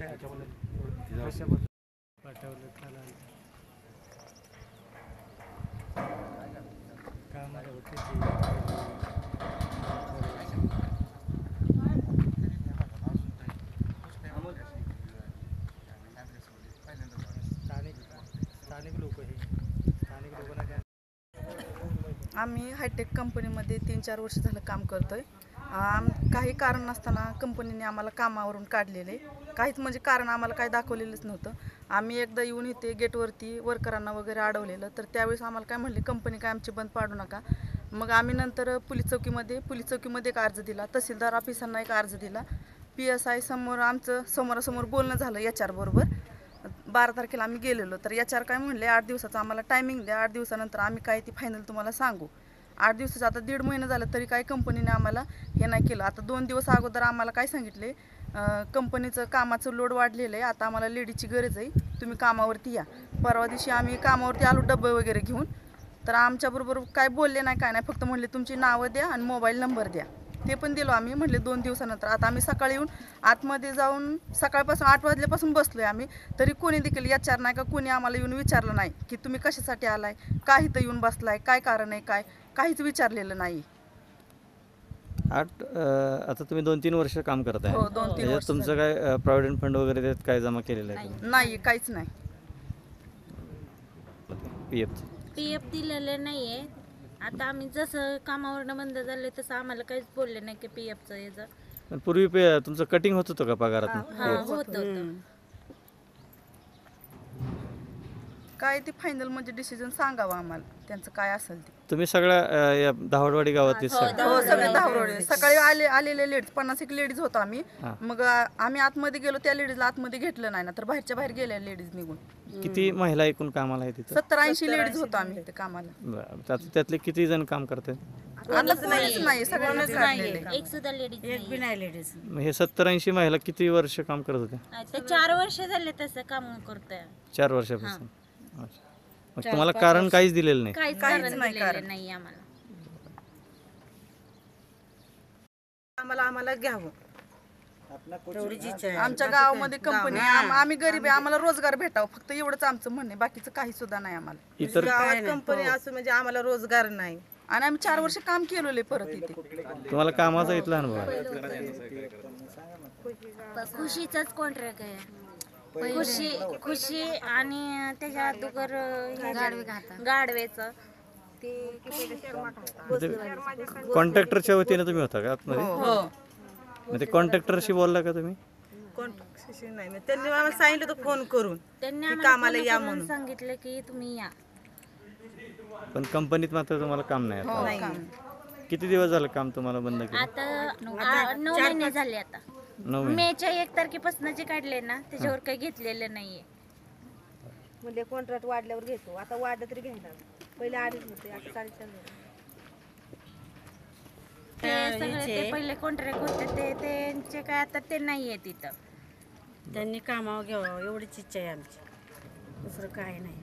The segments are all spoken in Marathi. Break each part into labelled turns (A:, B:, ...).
A: पाठवलं त्याला कामाला होते स्थानिक लोक लोकांना
B: आम्ही हायटेक कंपनीमध्ये 3-4 वर्ष झालं काम करतोय। काही कारण नसताना कंपनीने आम्हाला कामावरून काढलेले, काहीच म्हणजे कारण आम्हाला काही दाखवलेलंच नव्हतं। आम्ही एकदा येऊन इथे गेटवरती वर्करांना वगैरे अडवलेलं, तर त्यावेळेस आम्हाला काय म्हणले कंपनी काय आमची बंद पाडू नका। मग आम्ही नंतर पोलीस चौकीमध्ये एक अर्ज दिला, तहसीलदार ऑफिसांना एक अर्ज दिला, PSI समोर आमचं समोरासमोर बोलणं झालं HR बरोबर। 12 तारखेला आम्ही गेलेलो, तर HR काय म्हणले 8 दिवसाचा आम्हाला टायमिंग द्या, 8 दिवसानंतर आम्ही काय ती फायनल तुम्हाला सांगू। 8 दिवसाचं आता 1.5 महिना झालं तरी काही कंपनीने आम्हाला हे नाही केलं। आता 2 दिवस अगोदर आम्हाला काय सांगितले, कंपनीचं कामाचं लोड वाढलेलं आहे, आता आम्हाला लेडीची गरज आहे, तुम्ही कामावरती या। परवा दिवशी आम्ही कामावरती आलो डब्बे वगैरे घेऊन, तर आमच्याबरोबर काय बोलले नाही काय नाही, फक्त म्हणले तुमची नावं द्या आणि मोबाईल नंबर द्या। ते पण दिलो आम्ही, म्हणले 2 दिवसानंतर। आता आम्ही सकाळी येऊन आतमध्ये जाऊन सकाळपासून 8 वाजल्यापासून बसलोय आम्ही, तरी कोणी देखील HR नाही का कोणी आम्हाला येऊन विचारलं नाही की तुम्ही कशासाठी आलाय, का इथं येऊन बसलाय, काय कारण आहे, काहीच विचारलेलं नाही।
C: आता तुम्ही 2-3 वर्ष काम करताय।
B: हो, 2-3 वर्ष
C: तुमचं काय प्रॉव्हिडंट फंड वगैरे त्यात काय जमा केलेलं आहे?
B: नाही, काहीच नाही।
D: PF दिलेलं नाहीये। आता आम्ही जसं कामावरनं बंद झाले तसं आम्हाला काहीच बोलले नाही की PFचं याचं।
C: पण पूर्वी तुमचं कटिंग होत होतं का पगारात?
D: होतं।
B: काय ते फायनल म्हणजे डिसिजन सांगावं आम्हाला, त्यांचं काय असेल ते।
C: तुम्ही सगळ्या या दहावडवाडी गावातील
B: हो, सगळे धावरोडे सकाळी आलेले लेडीज 50 लेडीज होतो आम्ही। मग आम्ही आतमध्ये गेलो, त्या लेडीजला आतमध्ये घेतलं नाही ना, तर बाहेरच्या बाहेर गेल्या लेडीज निघून।
C: किती महिला एकूण कामाला आहे तिथं?
B: 70-80 लेडीज होतो आम्ही ते कामाला।
C: त्यातले किती जण काम करतात?
B: आता कोणीच नाही, सगळ्यांनाच काढलेलं आहे।
D: एक सुद्धा लेडीज
E: एक बी नाही लेडीज।
C: हे 70-80 महिला किती वर्ष काम करत होत्या?
D: ते 4 वर्ष झाले तसं काम करतोय।
C: 4 वर्षापासून। मग तुम्हाला कारण काहीच दिलेलं नाही?
D: काहीच कारण दिलेलं नाही आम्हाला।
E: आम्हाला घ्यावं तेवढीच इच्छा आहे।
B: आमच्या गावामध्ये कंपनी, आम्ही गरीब आहे, आम्हाला रोजगार भेटावं, फक्त एवढंच आमचं म्हणणे, बाकीचं काही सुद्धा नाही आम्हाला।
C: इतर
E: गावात कंपनी असं म्हणजे आम्हाला रोजगार नाही,
B: आणि आम्ही 4 वर्ष काम केलेलं परत इथे।
C: तुम्हाला कामाचा इथला अनुभव आहे?
D: खुशीचाच कॉन्ट्रॅक्ट आहे। खुशी आणि त्याच्या अगोदर गाडवेचं ते
C: कॉन्ट्रॅक्टरच्या वतीने तुम्ही होता का आतमध्ये?
B: हो,
C: ते कॉन्ट्रॅक्टरशी बोलला का तुम्ही?
E: कॉन्ट्रॅक्टशी नाही, त्यांनी आम्हाला सांगितलं होतं फोन करून
D: त्यांनी
E: कामाला या म्हणून
D: सांगितलं की तुम्ही या।
C: पण कंपनीत मात्र तुम्हाला काम नाही आता?
E: नाही।
C: किती दिवस झालं काम तुम्हाला बंद केलं?
D: आता 9 महिने झाले। आता
C: 9 महिने।
D: मेच्या 1 तारखेपासून जे काढले ना त्याच्यावर काही घेतलेलं नाहीये।
F: म्हणजे कॉन्ट्रॅक्ट वाढल्यावर घेतो, आता वाढलं तरी घेणार, पहिले 2.5 होते, आता 4.5
D: ते सगळे ते पहिले कॉन्ट्रॅक्ट होते ते त्यांचे काय आता ते नाहीये तिथं।
E: त्यांनी कामावर घ्यावं एवढीच इच्छा आहे आमची, दुसरं काय नाही।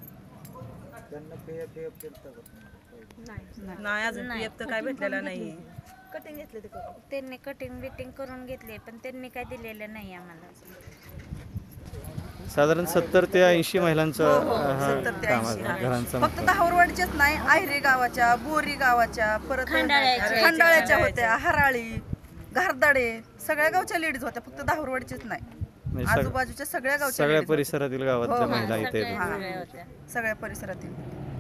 E: नाही अजून PF तर काय भेटलेलं नाहीये।
F: कटिंग घेतले ते करून,
D: त्यांनी कटिंग बिटिंग करून घेतले, पण त्यांनी काय दिलेलं नाही आम्हाला।
C: साधारण 70 ते 80 महिलांचं
B: 70 ते 80
C: घरांचं
B: फक्त धावरवाडीच्याच नाही, आहिरे गावाच्या, बोरी गावाच्या, परत खंडाळ्याच्या होत्या, हराळी, घारदाडे, सगळ्या गावच्या लेडीज होत्या, फक्त धावरवाडीच्याच नाही, आजूबाजूच्या सगळ्या गावच्या
C: सगळ्या परिसरातील गावातल्या महिला इथे
B: सगळ्या परिसरातील।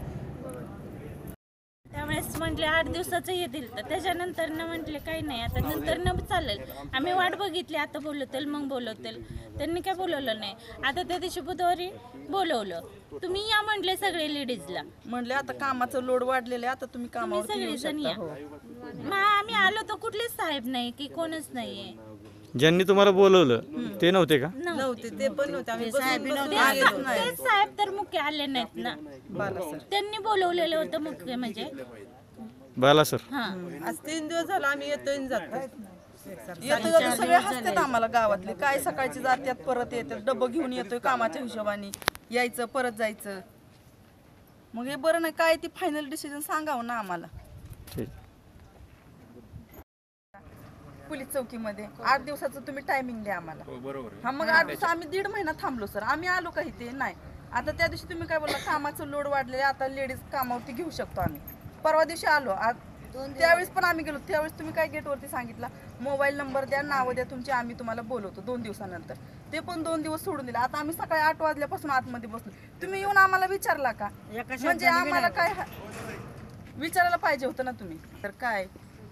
D: त्यावेळेस म्हटले 8 दिवसाचं हे दिलं, तर त्याच्यानंतर म्हटले काही नाही, आता नंतर चालेल, आम्ही वाट बघितली, आता बोलवतील मग बोलवतील, त्यांनी काय बोलवलं नाही। आता त्या दिवशी बुधवारी बोलवलं, तुम्ही या म्हटले सगळे लेडीजला,
B: म्हणले आता कामाचं लोड वाढलेलं आहे, आता तुम्ही कामावर
D: सगळेजण या। मग आम्ही आलो तर कुठलेच साहेब नाही की कोणच नाहीये।
C: ज्यांनी तुम्हाला बोलवलं ते नव्हते का?
E: नव्हते, ते पण नव्हते, आम्ही
D: तेच साहेब तर मुख्य आले नाहीत ना, त्यांनी बोलवलेलं होतं मुख्य म्हणजे
C: बाला सर।
E: आज 3 दिवस झाला आम्ही येतोय जातो,
B: येतो सगळे हसतात आम्हाला गावातले, काय सकाळची जात्यात परत येतात, डब्बा घेऊन येतोय कामाच्या हिशोबाने, यायचं परत जायचं। मग हे बरं नाही, काय ती फायनल डिसिजन सांगावं ना आम्हाला।
C: ठीक।
B: पोलीस चौकीमध्ये 8 दिवसाचं तुम्ही टायमिंग द्या आम्हाला.
G: हो, बरोबर आहे.
B: हा मग 8 दिवस आम्ही 1.5 महिना थांबलो सर. आम्ही आलो काही ते नाही. आता त्या दिवशी तुम्ही काय बोलला कामाचं लोड वाढलेले आता लेडीज कामावरती घेऊ शकतो आम्ही. परवा दिवशी आलो त्यावेळेस पण आम्ही गेलो. त्यावेळेस तुम्ही काय गेटवरती सांगितलं मोबाईल नंबर द्या नावं द्या तुमची आम्ही तुम्हाला बोलवतो 2 दिवसानंतर. ते पण 2 दिवस सोडून दिले. आता आम्ही सकाळी 8 वाजल्यापासून आतमध्ये बसलो. तुम्ही येऊन आम्हाला विचारला का? म्हणजे आम्हाला काय विचारायला पाहिजे होतं ना तुम्ही. तर काय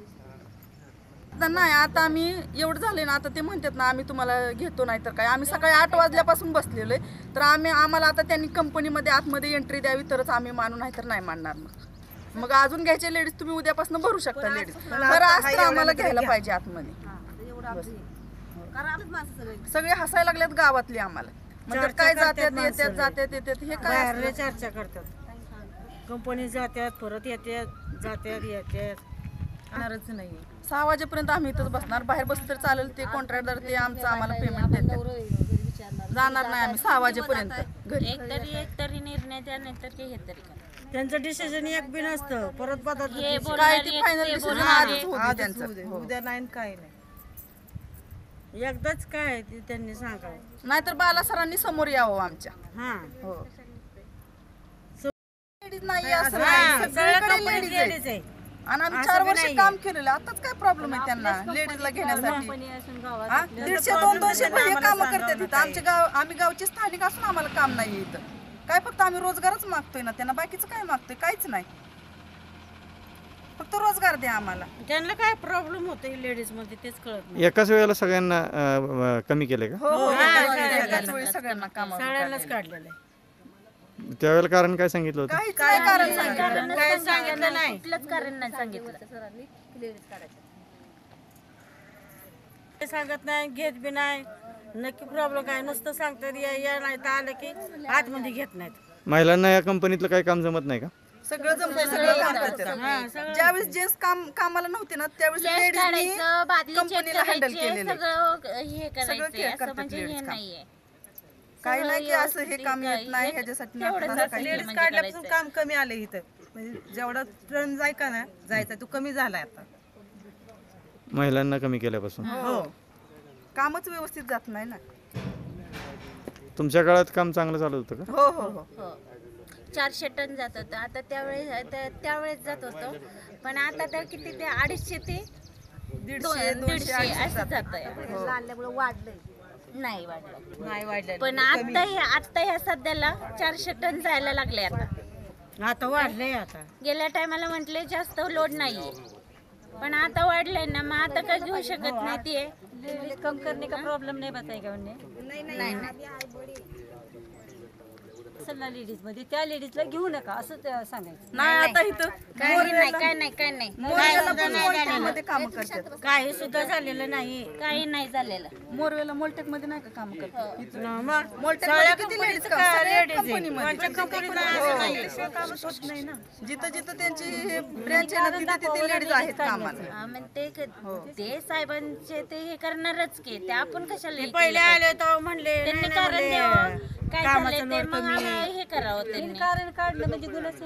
B: नाही आता आम्ही एवढं झाले ना आता ते म्हणतात ना आम्ही तुम्हाला घेतो नाही तर काय. आम्ही सकाळी 8 वाजल्यापासून बसलेलो आहे. तर आम्हाला आता त्यांनी कंपनीमध्ये आतमध्ये एंट्री द्यावी तरच आम्ही मानू नाही तर नाही मानणार. मग अजून घ्यायचे लेडीज तुम्ही उद्यापासून भरू शकता लेडीज. तर आज तर आम्हाला घ्यायला पाहिजे आतमध्ये. सगळे हसायला लागलेत गावातले आम्हाला. म्हणजे काय जात्यात येतात हे काय
E: चर्चा करतात. कंपनी जात्यात परत येतात जात्यात येतात.
B: येणारच नाही. 6 वाजेपर्यंत आम्ही इथंच बसणार. बाहेर बसलं तर चालेल. ते कॉन्ट्रॅक्टर ते आमचं आम्हाला पेमेंट देतात. जाणार नाही आम्ही 6 वाजेपर्यंत घरी.
D: एकतरी निर्णय द्या नाहीतर हे तरी करा.
E: त्यांचं डिसिजन एक बी नसतं परत बदल
D: हे
B: काय
D: बोलणार
B: ते
D: एक,
B: फायनल
D: ते
B: डिसिजन
D: बोलणार
B: आजच
D: एक.
B: होऊ दे त्यांचं. हो.
E: उद्या नाही काय नाही. एकदाच काय ते त्यांनी सांगावं.
B: नाहीतर बाला सरांनी समोर यावं आमच्या.
E: हा
B: हो लेडीज नाही असं नाही. सगळीकडे लेडीज
E: लेडीज
B: आहे.
E: आहे.
B: आणि आम्ही 4 वर्ष काम केलेलं. आताच काय प्रॉब्लेम आहे त्यांना लेडीजला घेण्यासाठी. 150-200 हे काम करतात इथं. आमच्या गाव आम्ही गावचे स्थानिक असून आम्हाला काम नाही इथं. काय फक्त आम्ही रोजगारच मागतोय ना त्यांना. बाकीचं काय मागतोय काहीच नाही. फक्त रोजगार द्या आम्हाला.
E: त्यांना काय प्रॉब्लेम होतो लेडीज मध्ये तेच कळत नाही.
C: एकाच वेळेला सगळ्यांना कमी केले का?
B: हो एकाच वेळी सगळ्यांना कामावर
E: सगळ्यांनाच काढलेलं आहे.
C: त्यावेळेला कारण काय सांगितलं होतं?
B: काहीच नाही कारण सांगितलं.
E: काय सांगितलं नाही.
D: कुठलंच कारण नाही सांगितलं.
E: ते सांगत नाही घेत बी नाही. नक्की प्रॉब्लेम काय नुसतं सांगतात या नाही तर आलं की आतमध्ये घेत नाहीत.
C: महिलांना या कंपनीतलं काही काम जमत नाही का?
B: सगळं जमतं सगळं काम करतात. ज्यावेळेस जेंट्स कामाला नव्हते ना त्यावेळेस लेडीजनी कंपनीला हँडल केलेलं.
D: सगळं हे करायचं
B: करतात
D: असं म्हणजे हे
B: ladies काम.
D: नाहीये.
B: काही नाही की असं हे काम येत नाही ह्याच्यासाठी नाही
D: तेवढंच
B: करत काही.
D: लेडीज
H: काढल्यापासून काम कमी आलं इथं. म्हणजे जेवढा ट्रेन जायचा तो कमी झालाय आता.
C: महिलांना कमी केल्यापासून
B: हो कामच व्यवस्थित जात नाही ना.
C: तुमच्या काळात काम चांगलं चालत होतं का?
B: हो हो हो
D: हो 400 टन जात होतं. आता त्यावेळेस जात होतं. पण आता तर किती ते 250 ते 150 असं जात आहे.
F: आणल्यामुळे वाढलंय.
D: नाही वाढलं.
H: नाही वाढलं.
D: पण आता ह्या सध्याला 400 टन जायला लागले.
E: आता वाढलंय. आता
D: गेल्या टायमाला म्हटले जास्त लोड नाहीये पण आता वाढलंय ना. मग आता काय घेऊ शकत नाही ते.
E: कम करणे का प्रॉब्लेम नाही बताएगा उन्हें.
D: नाही
E: असेल ना लेडीज मध्ये त्या लेडीजला घेऊ नका असं सांगायचं.
B: नाही आता इथं
D: काय नाही
B: मोरवेला पण मोलटेकमध्ये काम करतात.
E: काही सुद्धा झालेलं नाही.
D: काही नाही झालेलं.
B: मोरवेला मोलटेक मध्ये नाही का काम करतात?
E: मग
B: मोलटेकमध्ये किती लेडीज काम कंपनीमध्ये जिथं जिथं त्यांची ब्रँच आहे ना तिथे तिथे लेडीज आहेत कामाला.
D: हा, मग ते साहेबांचे ते हे करणारच की ते आपण कशाला हे
E: पहिले
D: केलं
E: आले तर म्हणले
D: पाहिजे? त्यांनी कारण द्यावं काय झालंय ते मग आम्हाला हे करावं त्यांनी.
E: कारण काढलं म्हणजे गुन्हाच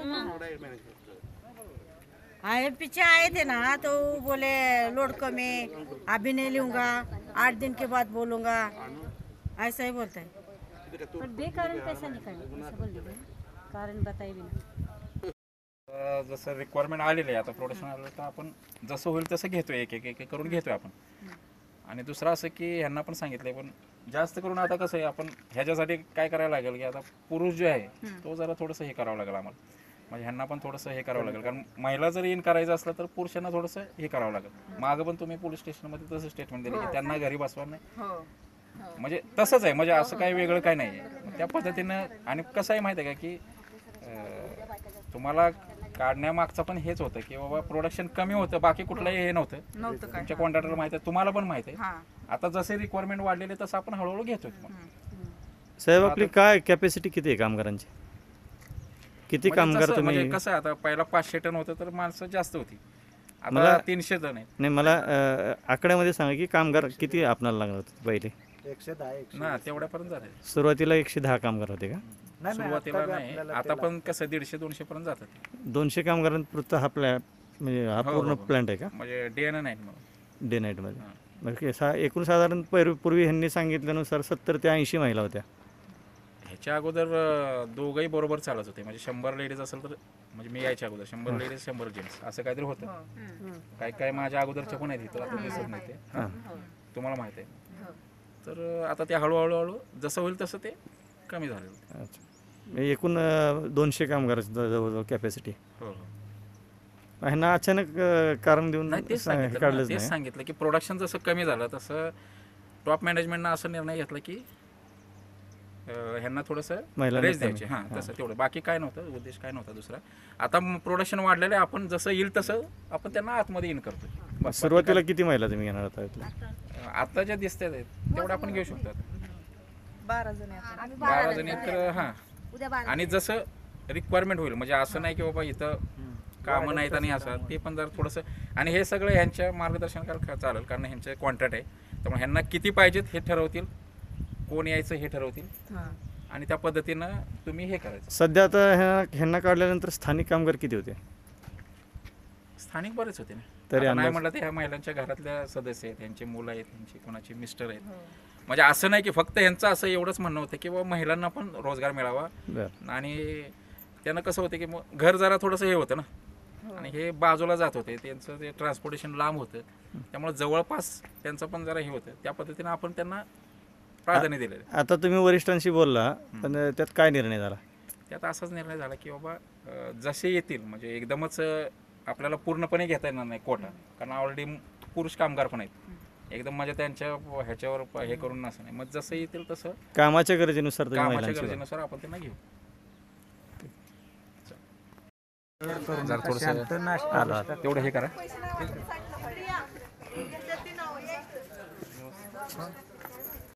E: आहे. पीछे आए थे ना तो बोले लोड कमी अभी नहीं लूंगा 8 दिन के बाद बोलूंगा ऐसा ही बोलता है. पर बेकारण पैसा निकाले ऐसा बोल दिया. कारण बताए भी ना.
G: जसं रिक्वायरमेंट आलेलं आहे आता प्रोडक्शन आलं तर आपण जसं होईल तसं घेतोय एक एक करून घेतोय आपण. आणि दुसरं असं की ह्यांना पण सांगितलंय पण जास्त करून आता कसं आहे आपण ह्याच्यासाठी काय करायला लागेल की आता पुरुष जो आहे तो जरा थोडंसं हे करावं लागेल आम्हाला. म्हणजे ह्यांना पण थोडंसं हे करावं लागेल कारण महिला जर इन करायचं असलं तर पुरुषांना थोडंसं हे करावं लागेल. मागं पण तुम्ही पोलीस स्टेशनमध्ये तसं स्टेटमेंट दिलं की त्यांना घरी बसवा नाही. म्हणजे तसंच आहे म्हणजे असं काही वेगळं काही नाही आहे त्या पद्धतीनं. आणि कसं आहे माहिती आहे का की तुम्हाला काढण्यामागचं पण हेच होतं की बाबा प्रोडक्शन कमी होतं बाकी कुठलंही हे नव्हतं. तुमच्या कॉन्ट्रॅक्टर माहिती आहे तुम्हाला पण माहिती आहे. आता जसे रिक्वायरमेंट वाढलेले तसं आपण हळूहळू घेतोय.
C: साहेब आपली काय कॅपॅसिटी किती आहे कामगारांची? किती कामगार तुम्ही?
G: म्हणजे कसं आहे आता पहिला 500 टन होतं तर माणसं जास्त होती. आता 300 टन आहे.
C: नाही मला आकड्यामध्ये सांगा की कामगार किती आपणाला लागणार होते पहिले?
A: 110
G: ना तेवढ्यापर्यंत झाले.
C: सुरुवातीला 110 कामगार होते का?
G: सुरुवातीला नाही आता पण कसं 150-200 पर्यंत जातात.
C: 200 कामगारांपुरता हा प्लॅन म्हणजे हा पूर्ण प्लॅन्ट आहे का?
G: म्हणजे डे नाही मग
C: डे नाईटमध्ये एकूण साधारण पूर्वी ह्यांनी सांगितल्यानुसार 70 ते 80 महिला होत्या.
G: ह्याच्या अगोदर दोघंही बरोबर चालत होते. म्हणजे 100 लेडीज असेल तर, म्हणजे मी यायच्या अगोदर 100 लेडीज 100 जेंट्स असं काहीतरी होतं. काय काय माझ्या अगोदरच्या पण आहेत इथं, आता दिसत नाही ते. तुम्हाला माहिती आहे. तर आता ते हळूहळू जसं होईल तसं ते कमी झालेलं.
C: अच्छा, म्हणजे एकूण 200 कामगाराची जवळजवळ कॅपॅसिटी.
G: हो हो.
C: ह्यांना अचानक कारण देऊन
G: नाही तेच सांगितलं
C: काढलंच
G: तेच
C: नाही.
G: सांगितलं की प्रोडक्शन जसं कमी झालं तसं टॉप मॅनेजमेंटनं असं निर्णय घेतला की ह्यांना थोडंसं
C: महिलांना
G: रेस्ट द्यायचे. हां तसं तेवढं, बाकी काय नव्हतं, उद्देश काय नव्हता दुसरा. आता प्रोडक्शन वाढलेलं आहे, आपण जसं येईल तसं आपण त्यांना आतमध्ये इन करतो. बस, बाकी
C: सुरुवातीला किती महिला तुम्ही घेणार होता इथल्या?
G: काय- आता ज्या दिसतात तेवढं आपण घेऊ शकतो.
B: 12 जण आहेत.
F: आम्ही
G: 12 जणी तर हां.
F: उद्या 12
G: आणि जसं रिक्वायरमेंट होईल, म्हणजे असं नाही की बाबा इथं कामं नाहीत आणि असं, ते पण जर थोडंसं. आणि हे सगळं ह्यांच्या मार्गदर्शनाखाली चालेल, कारण ह्यांचे कॉन्ट्रॅक्ट आहे. त्यामुळे ह्यांना किती पाहिजेत हे ठरवतील, कोण यायचं हे ठरवतील, आणि त्या पद्धतीनं तुम्ही हे करायचं.
C: सध्या आता ह्यांना काढल्यानंतर स्थानिक कामगार किती होते?
G: स्थानिक बरेच होते ना.
C: तरी
G: आता नाही
C: अंदाज?
G: म्हटलं तर ह्या महिलांच्या घरातल्या सदस्य आहेत, त्यांची मुलं आहेत, त्यांची कोणाचे मिस्टर आहेत. म्हणजे असं नाही की फक्त ह्यांचं असं एवढंच म्हणणं होतं की बाबा महिलांना पण रोजगार मिळावा.
C: बरं.
G: आणि त्यांना कसं होतं की मग घर जरा थोडंसं हे होतं ना, आणि हे बाजूला जात होते, त्यांचं ते ट्रान्सपोर्टेशन लांब होतं, त्यामुळे जवळपास त्यांचं पण जरा हे होतं. त्या पद्धतीनं आपण त्यांना प्राधान्य दिलेलं आहे.
C: आता तुम्ही वरिष्ठांशी बोलला, पण त्यात काय निर्णय झाला?
G: त्यात असाच निर्णय झाला की बाबा जसे येतील, म्हणजे एकदमच आपल्याला पूर्णपणे घेता येणार नाही कोटा, कारण ऑलरेडी पुरुष कामगार पण आहेत. एकदम म्हणजे त्यांच्या ह्याच्यावर हे करून नसं नाही. मग जसं येतील तसं
C: कामाच्या गरजेनुसार तुम्ही
G: कामाच्या
C: महिलांची
G: गरजेनुसार आपण त्यांना घेऊ. जरा थोडंसं
C: आला.
G: तेवढं हे करा.